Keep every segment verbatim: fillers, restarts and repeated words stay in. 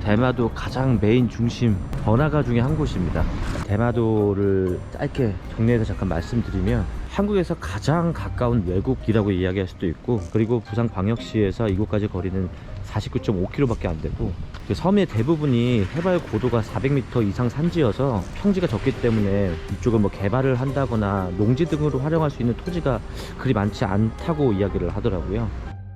대마도 가장 메인 중심 번화가 중에 한 곳입니다. 대마도를 짧게 정리해서 잠깐 말씀드리면 한국에서 가장 가까운 외국이라고 이야기할 수도 있고, 그리고 부산광역시에서 이곳까지 거리는 사십구 점 오 킬로미터밖에 안 되고, 그 섬의 대부분이 해발 고도가 사백 미터 이상 산지여서 평지가 적기 때문에 이쪽을 뭐 개발을 한다거나 농지 등으로 활용할 수 있는 토지가 그리 많지 않다고 이야기를 하더라고요.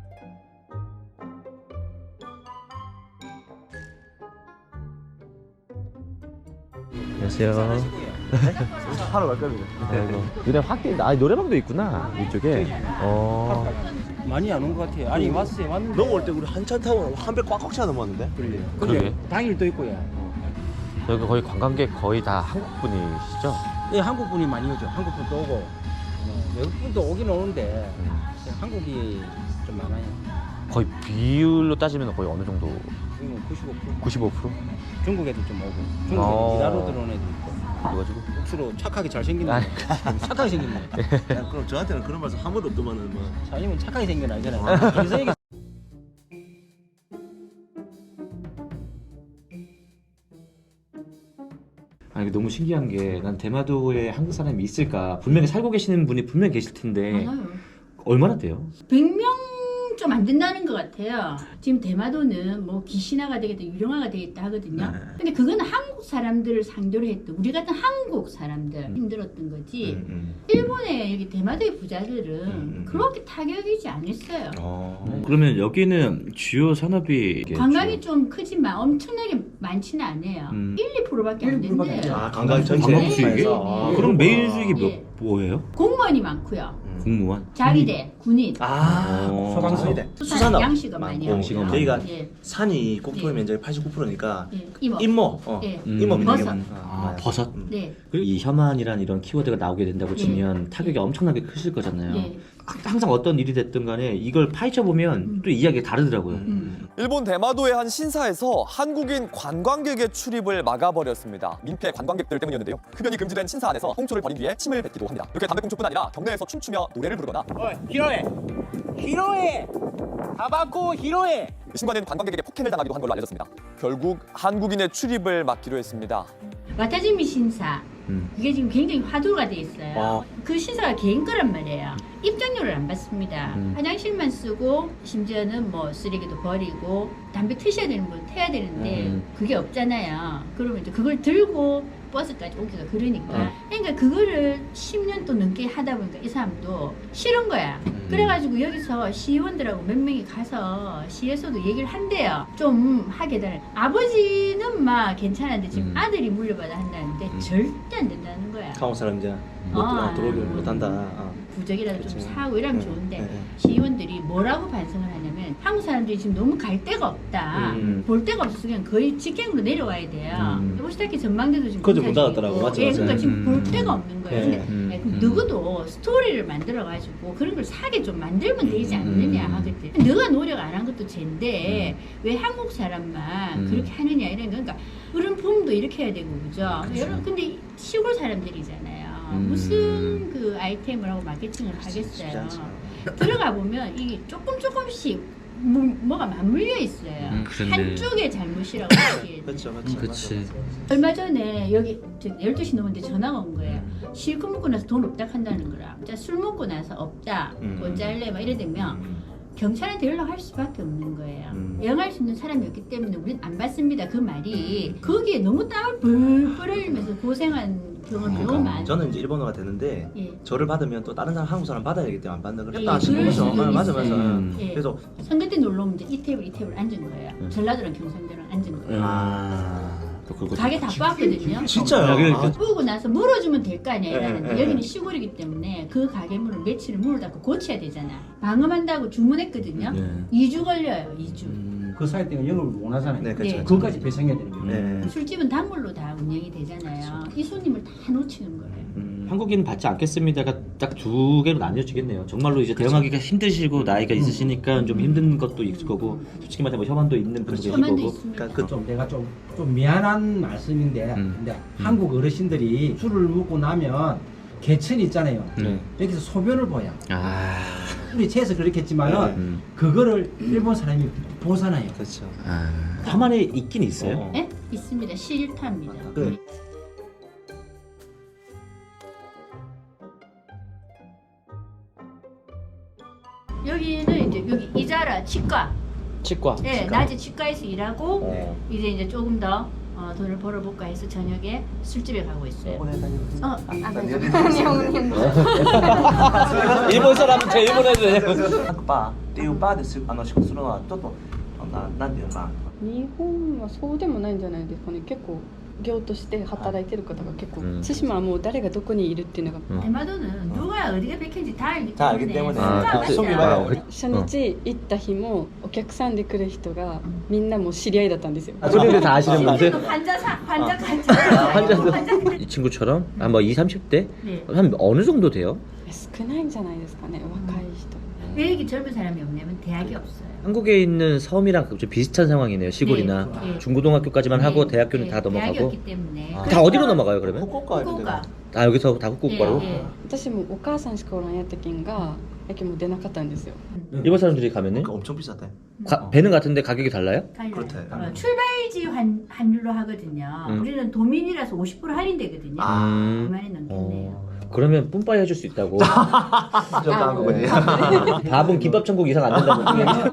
안녕하세요. 하러 갈 겁니다. 아이고, 눈에 확 띄는다. 아, 노래방도 있구나 이쪽에. 어. 많이 안 온 것 같아요. 아니 왔어요. 왔는데. 넘어올 때 우리 한참 타고 한 배 꽉꽉 차 넘었는데. 그래요. 그러게. 근데 당일도 있고요. 여기 거의 관광객 거의 다 한국 분이시죠? 예, 한국 분이 많이 오죠. 한국 분도 오고 어, 외국 분도 오긴 오는데 한국이 좀 많아요. 거의 비율로 따지면 거의 어느 정도? 지금 구십오 퍼센트. 구십오 퍼센트? 중국 애들 좀 오고 중국 어. 애들 일하러 들어온 애들 있고. 그래가지고. 억수로 착하게 잘 생긴 아니. 애. 착하게 생긴 애. 야, 그럼 저한테는 그런 말씀 한 번도 없더만은 뭐. 사장님은 착하게 생긴 애 아니잖아요. 그래서 이게 아니, 이게 너무 신기한 게, 난 대마도에 한국 사람이 있을까? 분명히 살고 계시는 분이 분명히 계실 텐데 많아요. 얼마나 돼요? 백 명 좀 안 된다는 것 같아요. 지금 대마도는 뭐 기신화가 되겠다, 유령화가 되겠다 하거든요. 네. 근데 그건 한국 사람들을 상대로 했던, 우리 같은 한국 사람들 음. 힘들었던 거지. 음, 음. 일본의 여기 대마도의 부자들은 음, 음. 그렇게 타격이지 않았어요. 어. 그러면 여기는 주요 산업이 관광이 좀 크지만 엄청나게 많지는 않아요. 음. 일, 이 퍼센트밖에 안 일, 이 퍼센트밖에 안 된대요. 돼요. 아, 관광 전체. 관광 수익이? 네, 아, 네. 그럼 메인 수익이 예. 몇, 뭐예요? 공무원이 많고요. 공무원? 자위대, 군인, 아, 어. 소방서. 수산, 수산업. 양식업 많이 많고. 하고요. 많고. 저희가 예, 산이 국토의 예. 면적이 팔십구 퍼센트니까 예, 임업. 임모. 어. 예. 음. 임모 면적이 버섯. 많- 아, 많아요. 버섯? 음. 네. 그리고 이 혐한이란 이런 키워드가 나오게 된다고 예. 치면 타격이 엄청나게 크실 거잖아요. 예. 항상 어떤 일이 됐든 간에 이걸 파헤쳐 보면 음. 또 이야기가 다르더라고요. 음. 일본 대마도의 한 신사에서 한국인 관광객의 출입을 막아버렸습니다. 민폐 관광객들 때문이었는데요. 흡연이 금지된 신사 안에서 홍초를 버린 뒤에 침을 뱉기도 합니다. 이렇게 담배꽁초뿐 아니라 경내에서 춤추며 노래를 부르거나 어, 히로에, 히로에, 타바코 히로에. 이 순간엔 관광객에게 폭행을 당하기도 한 걸로 알려졌습니다. 결국 한국인의 출입을 막기로 했습니다. 와타지미 신사, 음. 그게 지금 굉장히 화두가 돼 있어요. 아. 그 신사가 개인 거란 말이에요. 입장료를 안 받습니다. 음. 화장실만 쓰고 심지어는 뭐 쓰레기도 버리고 담배 트셔야 되는 분 태야 되는데 음. 그게 없잖아요. 그러면 이제 그걸 들고 버스까지 오기가 그러니까. 음. 그러니까 그거를 십 년 또 넘게 하다 보니까 이 사람도 싫은 거야. 음. 그래가지고 여기서 시의원들하고 몇 명이 가서 시에서도 얘기를 한대요. 좀 하게 되는. 아버지는 막 괜찮은데 지금 음. 아들이 물려받아 한다는데 음. 절대 안 된다는 거야. 한국 사람 이제 못 아. 들어오기 못한다. 아. 부적이라도 좀 그치. 사고 이러면 네, 좋은데 네, 네. 시의원들이 뭐라고 반성을 하냐면 한국 사람들이 지금 너무 갈 데가 없다. 음. 볼 데가 없으면 거의 직행으로 내려와야 돼요. 음. 오시다키 전망대도 지금 그것도 문 공사 닫았더라고. 중이고. 맞죠, 예, 맞죠. 그러니까 지금 음. 볼 데가 없는 거예요. 네. 근데 음. 예, 그럼 음. 누구도 스토리를 만들어가지고 그런 걸 사게 좀 만들면 되지 않느냐 음. 하거든. 너가 노력 안 한 것도 쟤인데 왜 한국 사람만 음. 그렇게 하느냐 이런 거. 그러니까 그런 봄도 이렇게 해야 되고 그죠. 그쵸. 여러분 근데 시골 사람들이잖아요. 음. 무슨 그 아이템을 하고 마케팅을 쉽지 하겠어요. 않죠. 들어가 보면 이게 조금 조금씩 뭐, 뭐가 맞물려 있어요. 음, 그런데. 한쪽의 잘못이라고 얘기해요. 그렇죠, 그렇죠. 그치. 맞아, 맞아. 얼마 전에 여기 열두 시 넘었는데 전화가 온 거예요. 실컷 먹고 나서 돈 없다 한다는 거라. 자, 술 먹고 나서 없다. 음. 돈 잘래 막 이래 되면 음. 경찰한테 연락할 수밖에 없는 거예요. 음. 영할 수 있는 사람이 없기 때문에 우린 안 받습니다. 그 말이 거기에 너무 땀을 벌벌 흘리면서 고생한 경험이 너무 많아요. 저는 이제 일본어가 되는데 예. 저를 받으면 또 다른 사람 한국 사람 받아야 되기 때문에 안 받는 걸 예, 했다 하시는 그럴 거죠. 수도 아, 맞아 맞아. 있어요. 음. 예. 그래서 선거 때 놀러 오면 이제 이 테이블 이 테이블 앉은 거예요. 음. 전라도랑 경상도랑 앉은 거예요. 아. 또 그거 가게 다 빠거든요. 진짜요? 야, 그러니까. 뿌고 나서 물어주면 될 거 아니야 이러는데 예, 예, 여기는 예. 시골이기 때문에 그 가게 문을 며칠을 문을 닫고 고쳐야 되잖아. 방음한다고 주문했거든요. 네. 이 주 걸려요. 이 주. 음. 그 사이 때가 영업을 못 하잖아요. 네, 그렇죠. 네. 그것까지 배상해야 되는 거예요. 네. 술집은 단골로 다 운영이 되잖아요. 이 손님을 다 놓치는 거예요. 음. 한국인 받지 않겠습니다가 딱 두 개로 나뉘어지겠네요. 정말로 이제 대응하기가 힘드시고 나이가 있으시니까 좀 힘든 것도 있을 거고, 솔직히 말하면 뭐 혐한도 있는 분도 계실 혐한도 거고. 있습니다. 그러니까 그 좀 내가 좀, 좀 미안한 말씀인데 음. 근데 한국 어르신들이 술을 먹고 나면 개천이 있잖아요. 음. 여기서 소변을 보여. 아, 우리 채에서 그렇겠지만은 음. 그거를 일본 사람이 보잖아요. 그렇죠. 아. 함안에 있긴 있어요. 어. 네? 있습니다. 실타입니다. 그 여기는 이제 여기 이자라 치과. 치과. 네, 낮에 치과에서 일하고 어. 이제 이제 조금 더 어, 돈을 벌어볼까 해서 저녁에 술집에 가고 있어요. 어, 아, 일본 사람은 제 일본 애들. 各バーっていうバーですあの仕事するのはちょっとあのななんていうのかな。 日本はそうでもないんじゃないですかね。結構業として働いてる方が結構、 うん対馬はもう誰がどこにいるっていうのが、 음. 대마도는 누가 어디가 백현지 다 알기 다 알기 때문에 때문에. 아, 순간 속이 맞아요. 봐요. 그- 初日行った日もお客さんで来る人がみんなもう知り合いだったんですよ。 손님들 다 아시는 분들. 실제로 환자사 환자 환자 환자도. 환자 이 친구처럼 한뭐 이십, 삼십 대? 네. 한 어느 정도 돼요? 少ないんじゃないですかね。若い人。 왜 이렇게 젊은 사람이 없냐면 대학이 없어요. 한국에 있는 섬이랑 좀 비슷한 상황이네요. 시골이나 네, 네. 중고등학교까지만 하고 네, 대학교는 네, 다 대학이 넘어가고. 없기 때문에. 아. 다 어디로 넘어가요 그러면? 후쿠오카 후쿠오카. 아 여기서 다 후쿠오카로? 예, 예. 私もお母さんしかおらんやったけんが、やけも出なかったんですよ。 일본 사람들이 가면은 그 엄청 비싸대. 가, 배는 같은데 가격이 달라요? 달라요. 그렇대. 어, 출발지 환, 환율로 하거든요. 음. 우리는 도민이라서 오십 퍼센트 할인되거든요. 음. 그만에 넘겠네요. 어, 그러면 뿜빠이 해줄 수 있다고. 저 한국은요. 밥은 김밥 천국 이상 안 된다고.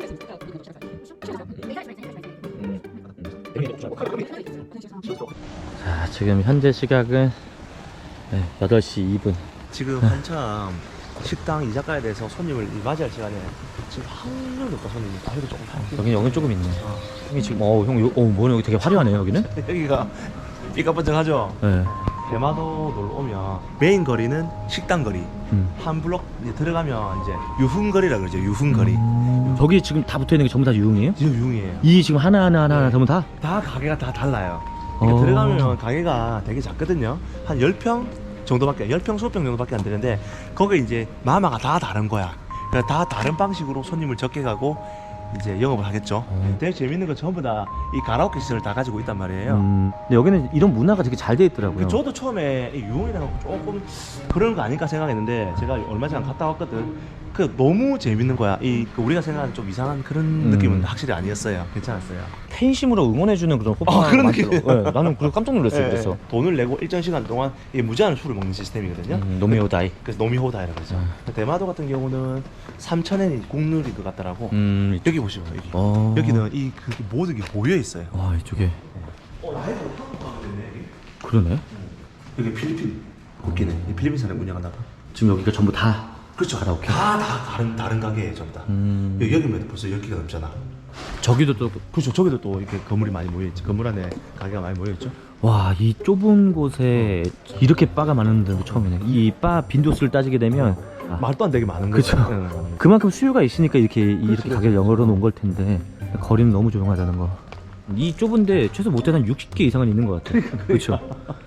자, 지금 현재 시각은 네, 여덟 시 이 분. 지금 한참 식당 이자카야에 대해서 손님을 맞이할 시간에 지금 한 명도 없다 손님이. 아 여기 조금 다. 여기 여기 조금 있네. 형이 지금 어, 형, 요, 어, 뭐네 여기 되게 화려하네요 여기는. 여기가 삐까뻔쩍하죠. 네. 대마도 놀러 오면 메인 거리는 식당 거리. 음. 한 블록 이제 들어가면 이제 유흥거리라 그러죠. 유흥거리. 음, 저기 지금 다 붙어 있는 게 전부 다 유흥이에요? 지금 유흥이에요. 이 지금 하나 하나 하나 하나 전부 다? 다 가게가 다 달라요. 그러니까 어. 들어가면 가게가 되게 작거든요. 한 십 평 정도밖에, 십 평, 이십 평 정도밖에 안 되는데 거기 이제 마마가 다 다른 거야. 그러니까 다 다른 방식으로 손님을 적게 가고 이제 영업을 하겠죠. 어. 되게 재밌는 거 전부 다 이 가라오케 시설을 다 가지고 있단 말이에요. 음, 근데 여기는 이런 문화가 되게 잘 돼 있더라고요. 그 저도 처음에 이 유흥이라고 조금 그런 거 아닐까 생각했는데 제가 얼마 전에 갔다 왔거든. 그 너무 재밌는 거야. 이그 우리가 생각하는 좀 이상한 그런 음. 느낌은 확실히 아니었어요. 괜찮았어요. 팬심으로 응원해주는 그런 호빠가 아, 그런 많더라고요. 느낌. 네, 나는 그래서 깜짝 놀랐어요. 예, 그래서 예. 돈을 내고 일정 시간 동안 이 무제한 술을 먹는 시스템이거든요. 음, 노미오다이. 그래서 노미호다이라고 그러죠. 아. 대마도 같은 경우는 삼천 엔이 국룰인 것 같더라고. 음, 여기 보시면 여기. 어. 여기는 이 그 모든 게 모여 있어요. 와 이쪽에 어, 라이브 한국 가면 되네 여기. 그러네. 여기 필리핀 웃기네. 이 필리핀 사람 운영하나 봐. 지금 여기가 전부 다 그렇죠. 가라오케. 다, 다 다른 다른 가게예요, 전부 다. 음, 여기 여기면 벌써 열 개가 넘잖아. 저기도 또 그렇죠. 저기도 또 이렇게 건물이 많이 모여 있죠. 건물 안에 가게가 많이 모여 있죠. 와, 이 좁은 곳에 이렇게 바가 많은 데도 처음이네. 이 바 빈도수를 따지게 되면 아, 말도 안 되게 많은 그쵸. 거죠. 응. 그만큼 수요가 있으니까 이렇게 이렇게 가게를 열어 놓은 걸 텐데 거리는 너무 조용하다는 거. 이 좁은데 최소 못해도 한 육십 개 이상은 있는 것 같아. 그렇죠.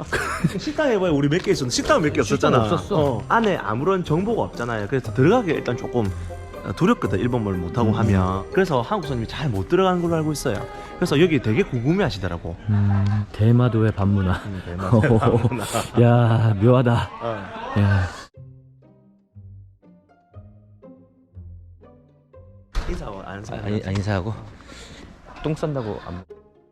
식당에 보면 우리 몇 개 있었는데 식당은 몇 개 없었잖아. 식당 없었어. 어, 안에 아무런 정보가 없잖아요. 그래서 들어가기 일단 조금 두렵거든. 일본말 못하고 음. 하면. 그래서 한국 손님이 잘 못 들어가는 걸로 알고 있어요. 그래서 여기 되게 궁금해 하시더라고. 음, 대마도의 밤문화. 음, 대마도의 야, 묘하다. 어. 야. 인사하고 아는 아, 사람. 아, 아, 인사하고 똥 싼다고 안.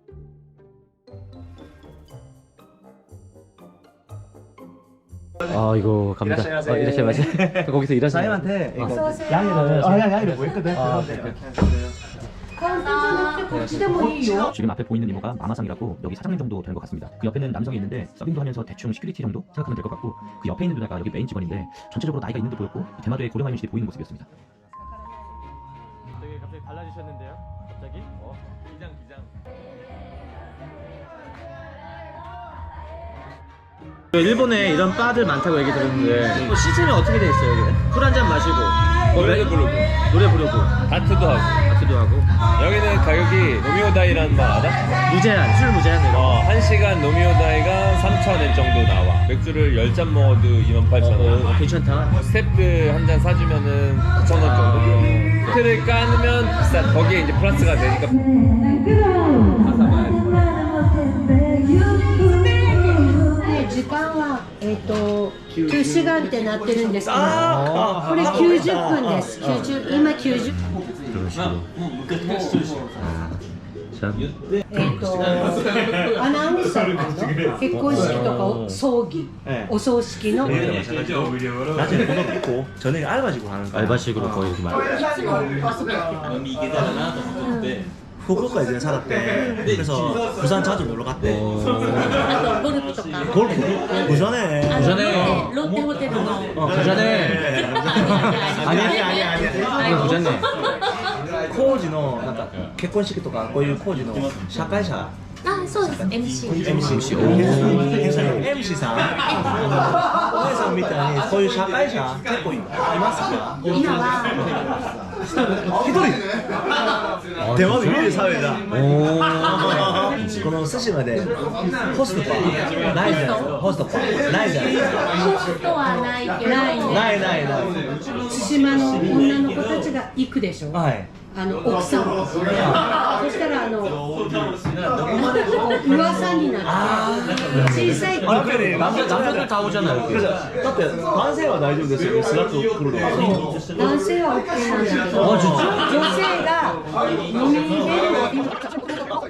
아 이거 갑니다. 이라시마세. 아, 이라시마세. 거기서 일하시는. 사장님한테 이거 어서오세요. 양이를 아, 양, 양이를 뭐 했거든. 아, 그래서 지금 앞에 보이는 이모가 마마상이라고 여기 사장님 정도 되는 것 같습니다. 그 옆에는 남성이 있는데 서빙도 하면서 대충 시큐리티 정도 생각하면 될 것 같고 그 옆에 있는 누나가 여기 메인 직원인데 전체적으로 나이가 있는 듯 보였고 대마도의 고령화 인식이 보이는 모습이었습니다. 되게 갑자기 달라지셨는데요? 갑자기? 어, 기장 기장. 일본에 이런 바들 많다고 얘기 들었는데 뭐 시스템이 어떻게 돼 있어요? 여기는? 술 한 잔 마시고 노래도 부르고 노래 부르고 다트도 하고 다트도 하고 여기는 가격이 노미오다이라는 말 알아? 무제한 술 무제한 이런 거. 어, 한 시간 노미오다이가 삼천 엔 정도 나와. 맥주를 열 잔 먹어도 이만 팔천 원. 어, 괜찮다. 스텝들 한 잔 사주면은 구천 원 정도 들어. 호텔을 까면 비싸. 거기에 이제 플러스가 되니까. 時間は、えっと、きゅうじかんってなってるんですけど、 あこれきゅうじゅっぷんです。きゅうじゅう今きゅうじゅう、 이런 식으로. 자, えっと、アナウンサーの結婚式とかお葬儀、 네. お葬式の 낮에 본업 있고 저녁에 알바직으로 하는 거야. 알바식으로 거의 이렇게 말. 후쿠오카 예전에 살았대. 그래서 부산 자주 놀러 갔대. あとゴルフとか、 골프 부산에. 부산에. ロッテホテルの 어, 부산에. 아니야 아니야 아니야. 이거 부산에. 工事のなんか結婚式とかこういう工事の社会者。 あ、そうです。エムシー。 エムシー。エムシー さん。お姉さんみたいにこういう社会者結構いますか？ 今は一人。電話で見るサウェだ。この寿司までホストパーないじゃないですか。ホストパーないじゃないですか。 ホストはないけど、ないないないない。 対馬の女の子たちが行くでしょ。 はい。 あの奥さん。そしたらあの噂になって小さい子。 아 그래 남자, 남자들 다 오잖아요. 여기. 그래서だって男性は大丈夫ですよね。スラッと来るのは。 男性は OK なんだけど、女性が飲み入れる。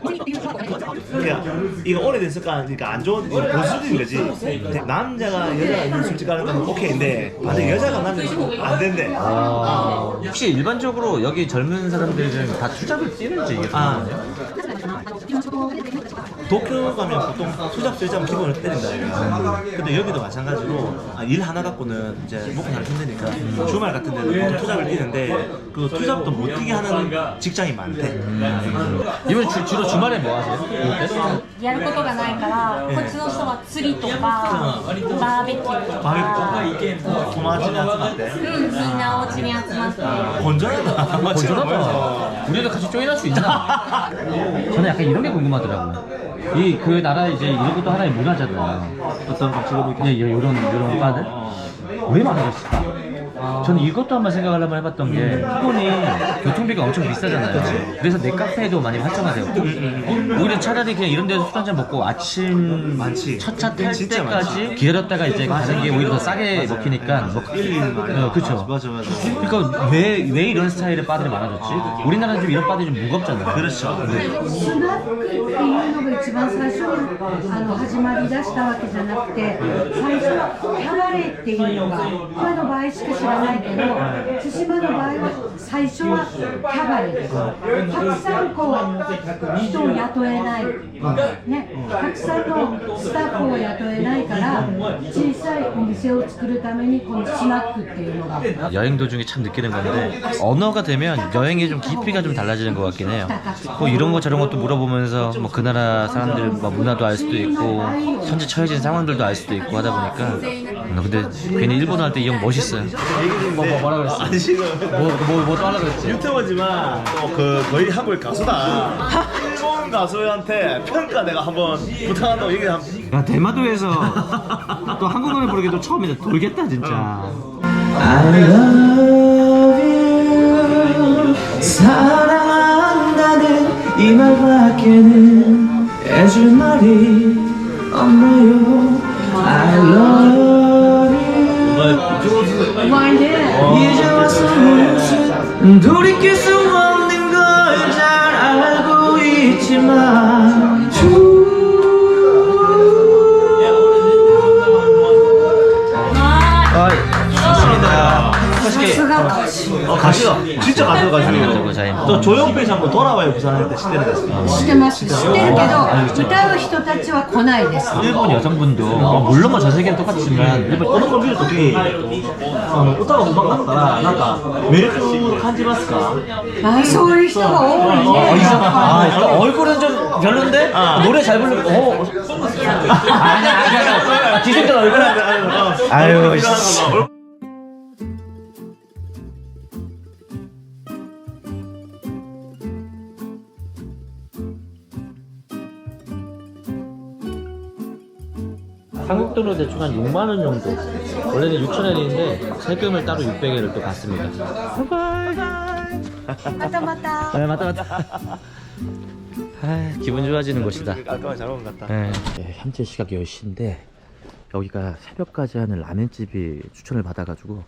야, 이거 오래됐을까? 그러니까 안 좋은 이거 보수적인 거지. 남자가 여자가 있는 술집 가는 건 오케이인데 만약 여자가 남자는 안 된대. 아, 혹시 일반적으로 여기 젊은 사람들은 다 투잡을 뛰는지 이게 아. 궁금하네요. 도쿄 가면 보통 투잡 술잡은 기본을 때린다 이거. 근데 여기도 마찬가지로 아, 일 하나 갖고는 이제 먹고 살기 힘드니까 주말 같은 데는 보통 투잡을 뛰는데 그 투잡도 못 뛰게 하는 직장이 많대. 이번 주, 주로 주말에 뭐 하세요? やることがないから、こっちの人は釣りとか、バーベキューとか、 바베큐 도마지 나트나때. うん、みんなお家に集まって、 건전하다. 건전하다. 우리도 같이 조인할 수 있나? 저는 약간 이런 게 궁금하더라고요. 이 그 나라 이제 이런 것도 하나의 문화잖아요. 어떤 방식으로 예, 예, 이런 이런 바들 왜 많아졌을까? 저는 이것도 한번 생각을 한번 해봤던 게 일본이 교통비가 엄청 비싸잖아요. 그래서 넷카페도 많이 활성화되었고 오히려 차라리 그냥 이런 데서 술 한잔 먹고 아침 많지. 첫차 탈 진짜 때까지 많지. 기다렸다가 이제 가는 게 오히려 더 싸게 먹히니까 뭐, 어, 그쵸. 맞아 맞아. 그러니까 왜, 왜 이런 스타일의 바들이 많아졌지? 우리나라는 좀 이런 바들이 좀 무겁잖아요. 그렇죠. スナックっていうのが一番最初にあの始まりだしたわけじゃなくて、最初はキャバレーっていうのが他の場合しか知らないけど、対馬の場合は最初はキャバレーです。たくさんこう人を雇えない、ね、たくさんのスタッフを雇えないから小さいお店を作るためにこのスナックっていうのが 여행 도중에 참 느끼는 건데 언어가 되면 여행의 좀 깊이가 좀 달라지는 것 같긴 해요. 뭐 이런 거 저런 것도 물어보면서 뭐 그 나라 사람들 뭐 문화도 알 수도 있고 현재 처해진 상황들도 알 수도 있고 하다 보니까 음, 근데 괜히 일본어 할 때 이 형 멋있어요. 뭐, 뭐 뭐라 그랬어? 아니 지금 뭐뭐뭐 또 하려고 그랬지? 유튜버지만 또 그 거의 한국 가수다. 일본 가수한테 평가 내가 한번 부탁한다고 얘기 한번. 야 대마도에서 또 한국 노래 부르기도 처음이다. 돌겠다 진짜. I love you 사랑한다는 이 말밖에는 해줄 말이 없나요 I love you 이제 와서 무슨 돌이킬 수 없는 걸 잘 알고 있지만 어 가시다. 진짜 가수 가수. 자인. 또 조용필 씨 한번 돌아와요 부산에 때 시대를 됐어. 知ってます。知ってるけど歌う人たちは来ないです。 일본 여성분도 뭐 물론 뭐 전 세계는 똑같지만 일본 この子見るとき、あの歌が上手かったらなんか魅力を感じますか？ あ、そういう人が多いね。 아, 일단 얼굴은 좀 별론데 노래 잘 부르고 어. 아니야 아니야 기생들 얼굴은 아유 씨. 한국 돈으로 대충 한 육만 원 정도. 원래는 육천 엔인데 세금을 따로 육백 엔을 또 받습니다. 맞다 맞다. 네, 맞다 맞다. 아, 기분 좋아지는 곳이다. 깔끔하게 잘 먹은 것 같다. 네. 네, 현재 시각 열 시인데 여기가 새벽까지 하는 라멘집이 추천을 받아가지고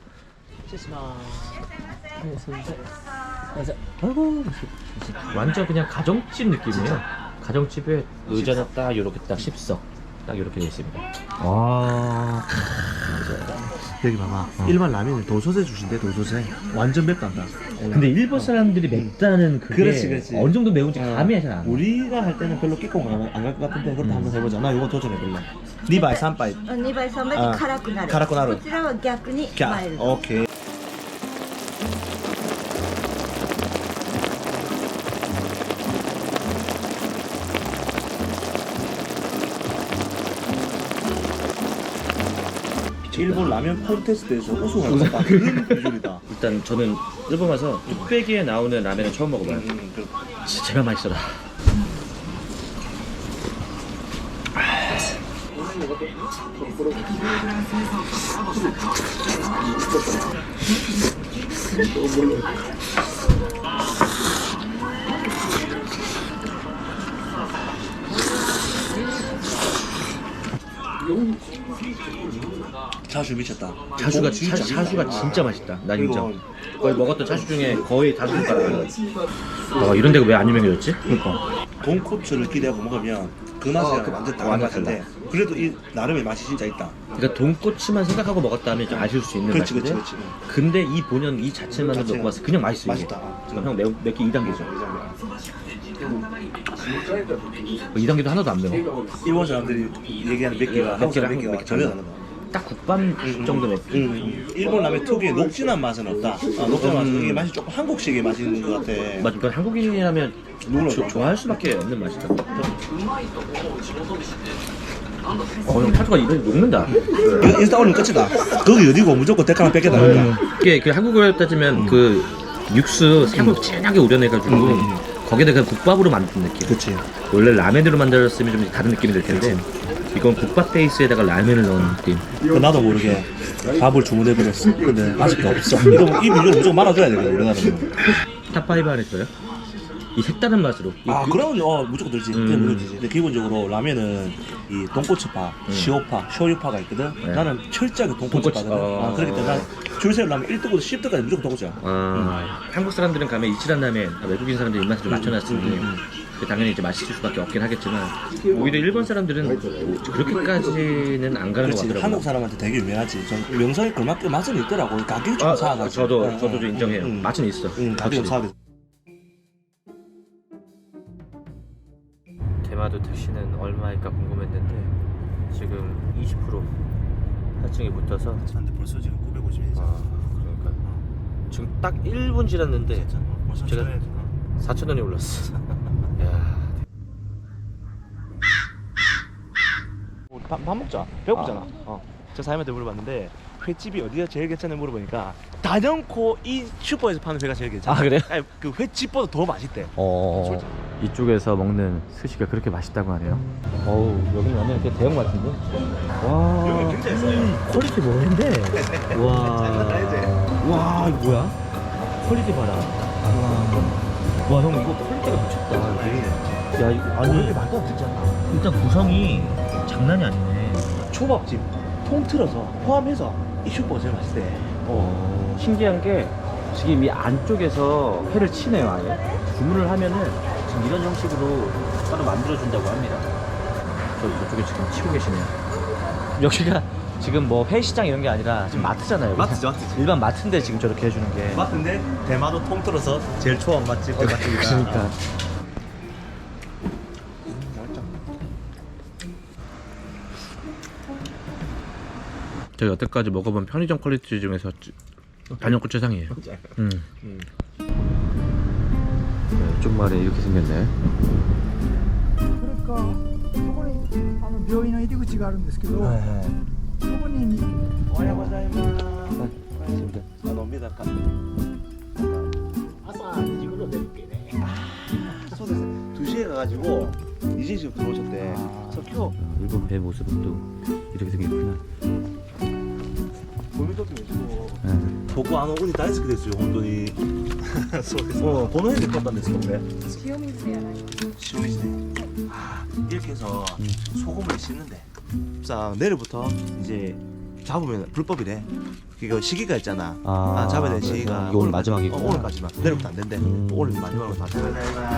아이고 완전 그냥 가정집 느낌이에요. 가정집에 의자는 딱 이렇게 딱 십석 딱 이렇게 되어 있습니다. 와 여기 봐봐. 일반 라면을 도소세 주신대, 도소세. 완전 맵단다. 근데 일본 사람들이 맵다는 그게 그렇지, 그렇지. 어느 정도 매운지 감이 잘 안 와. 우리가 할 때는 별로 끼고 안 갈 것 같은데 그것도 한번 해보자. 나 이거 도전해볼래. 니 바이, 삼 바이. にばいさんばいあで辛くなる辛くなるこちらは逆に 자, マイルド 오케이. 일본 라면 콘테스트에서 우승할 것 같다. 그런 기준이다. 일단 저는 일본 와서 뚝배기에 나오는 라면은 처음 먹어봐요. 음, 그, 진짜 제발 맛있어라. 차슈 미쳤다. 차슈가 진짜 차, 차슈가 진짜 맛있다. 나 그리고 인정. 거의 먹었던 차슈 중에 거의 다섯 손가락. 아 이런 데가 왜 안 유명해졌지? 그러니까 돈코츠를 기대하고 먹으면 그 맛이랑 그 완전 맛- 다른 완전 맛인데 그래도 이 나름의 맛이 진짜 있다. 그러니까 돈꼬치만 생각하고 먹었다면 좀 아쉬울 수 있는 그렇지, 맛인데 그렇지, 그렇지. 근데 이 본연 이 자체만으로 자체가 먹고 봤을 때 그냥 맛있어. 이게. 맛있다. 그럼 형 매우 맵기 이 단계죠. 이 단계도 하나도 안 매워. 일본 사람들이 얘기하는 맵기가 한국 사람 맵기가 맵기 전혀 달라. 다르다. 딱 국밥 정도 맵기. 음, 일본 라면 특유의 녹진한 맛은 없다. 아, 녹진한 맛은 이게 맛이 조금 한국식의 맛이 있는 것 같아. 맞아. 그러니까 한국인이라면 조, 좋아할 수밖에 없는 맛이다. 어, 형 차주가 입에 녹는다. 이거 인스타 올리면 끝이다. 거기 어디고 무조건 댓글 하나 뺏겠다. 음. 이게 그 한국어로 따지면 그 육수 사골 진하게 우려내가지고 음. 거기다 그냥 국밥으로 만든 느낌. 그렇지. 원래 라면으로 만들었으면 좀 다른 느낌이 들 텐데 이건 국밥 베이스에다가 라면을 넣은 느낌. 그 나도 모르게 밥을 주문해버렸어. 근데 맛이 없어. 이거 이 비주얼 무조건 말아줘야 되거든, 우리나라는. 탑파이브 안에 있어요? 이 색다른 맛으로. 아, 이- 그러면 어, 무조건 들지. 음. 그게 무조건이지. 근데 기본적으로 라면은 이 돈코츠파, 음. 시오파, 쇼유파가 있거든. 네. 나는 철저하게 돈코츠파거든. 돈코츠, 어. 아, 그렇기 때문에 줄 세울 라면 일 등부터 십 등까지 무조건 돈코츠야. 아, 한국 사람들은 가면 이치란 라면, 아, 외국인 사람들 입맛을 좀 맞춰놨으니 음, 음, 그 당연히 이제 맛있을 수밖에 없긴 하겠지만 오히려 일본 사람들은 그렇게까지는 안 가는 것 그렇지. 같더라고요. 한국 사람한테 되게 유명하지. 전 명성이 그만큼 맛은 있더라고. 가격이 좀 아, 싸가지고. 저도 응, 저도 응, 좀 인정해요. 응, 응. 맛은 있어. 응, 가격이 좀 싸게. 대마도 택시는 얼마일까 궁금했는데 지금 이십 퍼센트 할증이 붙어서 근데 벌써 지금 구백오십 원이지. 아 그러니까 지금 딱 일 분 지났는데 벌써 제가 전에 사천 원이 올랐어. 야. 우리 밥, 밥 먹자. 배고프잖아. 어. 저 사장님한테 물어봤는데 횟집이 어디가 제일 괜찮냐 물어보니까 단연코 이 슈퍼에서 파는 회가 제일 괜찮아. 아, 그래요? 아니, 그 횟집보다 더 맛있대. 어. 이쪽에서 먹는 스시가 그렇게 맛있다고 하네요. 어우 여기는 완전 이렇게 대형 같은데. 와. 여기 굉장히 싸요. 퀄리티 뭐인데? 와. 와 이거 뭐야? 퀄리티 봐라. 와. 와 형 이거 퀄리티가 미쳤다 여기. 야 이거 아니 이게 말도 안 되지 않나? 일단 구성이 장난이 아니네. 초밥집 통틀어서 포함해서 이 슈퍼가 제일 맛있대. 어. 신기한 게 지금 이 안쪽에서 회를 치네요 아예. 주문을 하면은 지금 이런 형식으로 따로 만들어준다고 합니다. 저 이쪽에 지금 치고 계시네요. 여기가 지금 뭐 회시장 이런 게 아니라 지금 마트잖아요. 그냥. 마트죠, 마트지. 일반 마트인데 지금 저렇게 해주는 게. 맞는데 대마도 통틀어서 제일 초밥 맛집 그 맛집이다. 그러니까. 제가 여태까지 먹어본 편의점 퀄리티 중에서 단연코 최상이에요. 음. 음. 네, 이쪽 말에 이렇게 생겼네. それかそこにあの病院の入り口があるんですけど、 네. そこにおはようございます。あのメダカ。朝にじ頃出るけね。そうですね。두 시에 가가지고 이제 지금 들어오셨대. 그래서 켜. 일본 배 모습은 또 이렇게 생겼구나. 고민도 계시고. 네. ここあのウニ大好きですよ本当に。そうです。もうこの辺で買ったんですけどね。 塩水でやられる塩水で. 아 이렇게 해서 소금을 씻는데. 싹 내일부터 이제 잡으면 불법이래. 이거 시기가 있잖아. 아, 아, 잡아야 될 그래서 시기가 이게 오늘 마지막이고. 어, 오늘까지만. 내일부터 안 된대. 음. 오늘 마지막으로 다 돼.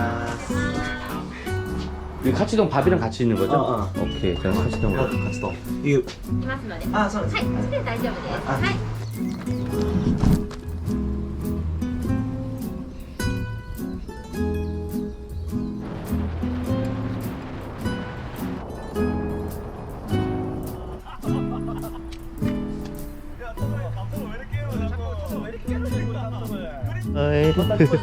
이 카츠동 밥이랑 같이 있는 거죠? 어, 어. 오케이, 저는 카츠동으로. 같이 또. 이거 いますので、 아, 선. はい、そして大丈夫です。はい。 어이.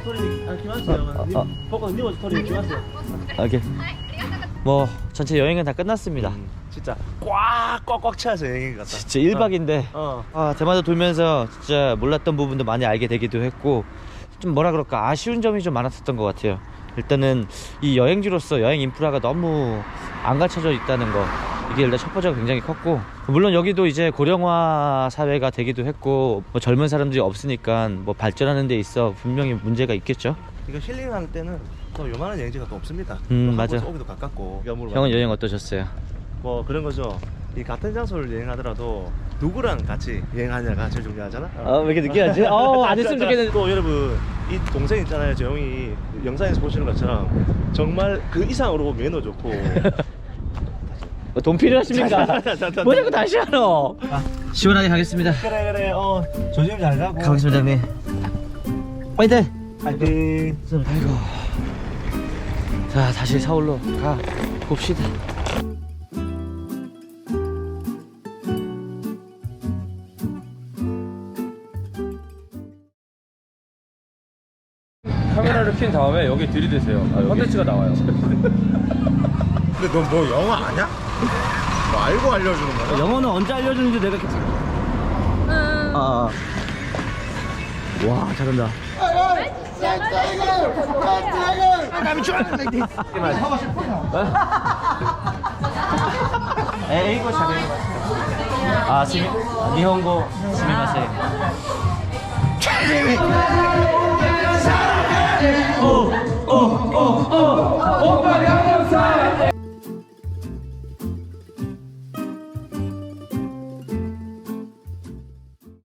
오케이. 뭐 전체 여행은 다 끝났습니다. 진짜 꽉꽉꽉 차서 여행 갔다. 진짜 일 박인데 어. 아, 대마도 돌면서 진짜 몰랐던 부분도 많이 알게 되기도 했고 좀 뭐라 그럴까 아쉬운 점이 좀 많았었던 것 같아요. 일단은 이 여행지로서 여행 인프라가 너무 안 갖춰져 있다는 거, 이게 일단 첫 번째가 굉장히 컸고, 물론 여기도 이제 고령화 사회가 되기도 했고 뭐 젊은 사람들이 없으니까 뭐 발전하는 데 있어 분명히 문제가 있겠죠. 이거 힐링할 때는 또 요만한 여행지가 또 없습니다. 음, 또 맞아. 한국에서 오기도 가깝고. 형은 여행 어떠셨어요? 뭐 그런 거죠. 이 같은 장소를 여행하더라도 누구랑 같이 여행하냐가 제일 중요하잖아. 아, 왜 이렇게 늦게 하지? 어, 안 했으면 자, 자, 좋겠는데. 또 여러분 이 동생 있잖아요. 저 형이 영상에서 보시는 것처럼 정말 그 이상으로 매너 좋고. 뭐 돈 필요하십니까? 자, 자, 자, 자, 뭐 자꾸 다시 하노? 시원하게 가겠습니다. 그래 그래. 어 조심 잘 가고. 가겠습니다, 형님. 파이팅! 파이팅. 아이고. 자, 다시 서울로 가 봅시다. 카메라를 킨 다음에 여기 들이대세요. 컨텐츠가 나와요. 근데 너 뭐 영어 아냐? 뭐 알고 알려주는 거야? 영어는 언제 알려주는지 내가 아, 아. 와, 잘한다. 에이고 잘해. 아, 스미, 니혼고 스미마세.